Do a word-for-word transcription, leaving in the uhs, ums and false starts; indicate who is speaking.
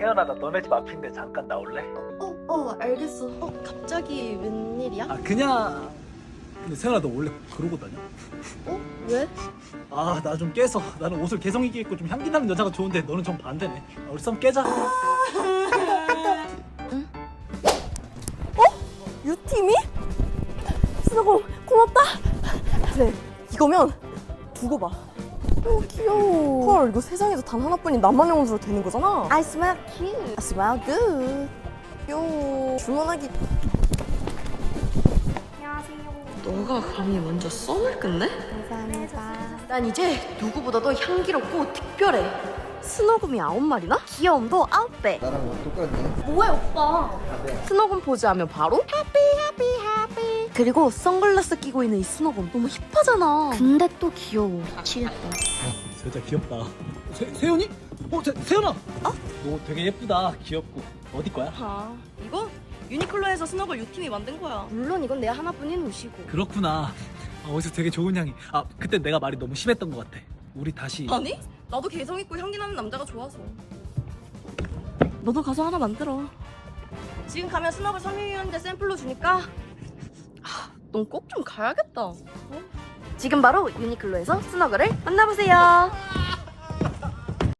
Speaker 1: 세연아, 나 너네 집 앞인데 잠깐 나올래?
Speaker 2: 어, 어, 알겠어. 어, 갑자기 웬일이야?
Speaker 1: 아 그냥. 근데 세연아, 너 원래 그러고 다녀?
Speaker 2: 어? 왜?
Speaker 1: 아 나 좀 깨서. 나는 옷을 개성 있게 입고 좀 향기 나는 여자가 좋은데 너는 좀 반대네. 아, 우리 썸 깨자.
Speaker 2: 유팀이? 스노공 고맙다. 그래, 이거면 두고 봐. 오, 귀여워. 헐, 이거 세상에서 단 하나뿐인 나만의 옷으로 되는 거잖아. I smell cute. I smell good. 귀여워. 주문하기.
Speaker 3: 너가 감히 먼저 썸을 끝내?
Speaker 2: 감사합니다. 난 이제 누구보다도 향기롭고 특별해. 스노금이 아홉 마리나? 귀여움도 아홉 배.
Speaker 4: 나랑 옷 똑같네.
Speaker 2: 뭐해 오빠?
Speaker 3: 스노금 포즈하면 바로
Speaker 2: 해피 해피 해피. 그리고 선글라스 끼고 있는 이 스노금 너무 힙하잖아. 근데 또 귀여워. 미치겠다.
Speaker 1: 어, 진짜 귀엽다. 세, 세연이? 어, 세, 세연아! 어? 너 되게 예쁘다. 귀엽고. 어디 거야?
Speaker 3: 아 이거 유니클로에서 스노글 유팀이 만든 거야.
Speaker 2: 물론 이건 내 하나뿐인 옷이고.
Speaker 1: 그렇구나. 아, 어디서 되게 좋은 향이. 아, 그때 내가 말이 너무 심했던 것 같아. 우리 다시.
Speaker 3: 아니? 나도 개성 있고 향기 나는 남자가 좋아서. 너도 가서 하나 만들어. 지금 가면 스노글 섬유유연제 샘플로 주니까 넌 꼭 좀 가야겠다.
Speaker 2: 지금 바로 유니클로에서 스너글을 만나보세요.